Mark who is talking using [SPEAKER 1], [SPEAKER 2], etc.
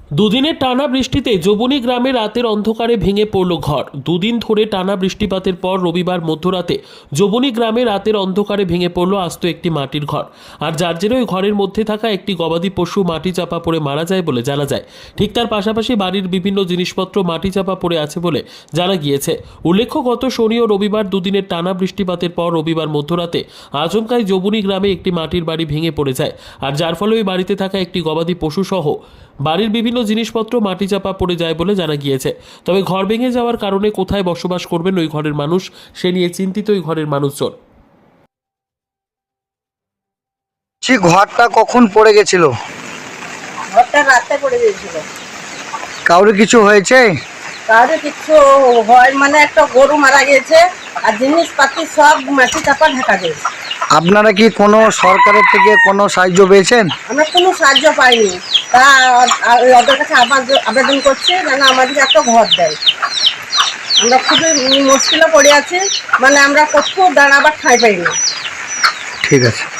[SPEAKER 1] দুদিনের টানা বৃষ্টিতে জবনী গ্রামে রাতের অন্ধকারে ভেঙে পড়ল ঘর। দুদিন ধরে টানা বৃষ্টিপাতের পর রবিবার মধ্যরাতে জবনী গ্রামে রাতের অন্ধকারে ভেঙে পড়ল আস্ত একটি মাটির ঘর। আর যার জেরে ওই ঘরের মধ্যে থাকা একটি গবাদি পশু মাটি চাপা পড়ে মারা যায় বলে জানা যায়। ঠিক তার পাশাপাশি বাড়ির বিভিন্ন জিনিসপত্র মাটি চাপা পড়ে আছে বলে জানা গিয়েছে। উল্লেখ্য, গত শনি ও রবিবার দুদিনের টানা বৃষ্টিপাতের পর রবিবার মধ্যরাতে আচমকাই জবনী গ্রামে একটি মাটির বাড়ি ভেঙে পড়ে যায়। আর যার ফলে ওই বাড়িতে থাকা একটি গবাদি পশু সহ বাড়ির বিভিন্ন জিনিসপত্র মাটি চাপা পড়ে যায় বলে জানা গিয়েছে। তবে ঘর ভেঙে যাওয়ার কারণে কোথায় বসবাস করবেন ওই ঘরের মানুষ, সে নিয়ে চিন্তিত ওই ঘরের মানুষজন।
[SPEAKER 2] ঘরটা কখন পড়ে গেছিল?
[SPEAKER 3] ঘরটা রাতে পড়ে গিয়েছিল।
[SPEAKER 2] কাউরে কিছু হয়েছে?
[SPEAKER 3] কারো কিছু হয় মানে একটা গরু মারা গেছে আর জিনিসপাতি সব মাটি চাপা ঢাকা গেছে।
[SPEAKER 2] আপনারা কি কোনো সরকারের থেকে কোনো সাহায্য পেয়েছেন?
[SPEAKER 3] আমরা কোনো সাহায্য পাইনি, তা ওদের কাছে আবেদন করছি যেন আমাদেরকে একটা ঘর দেয়। আমরা খুবই মুশকিলে পড়ে আছি, মানে আমরা কোথাও দাঁড়াবার ঠাঁই পাইনি।
[SPEAKER 2] ঠিক আছে।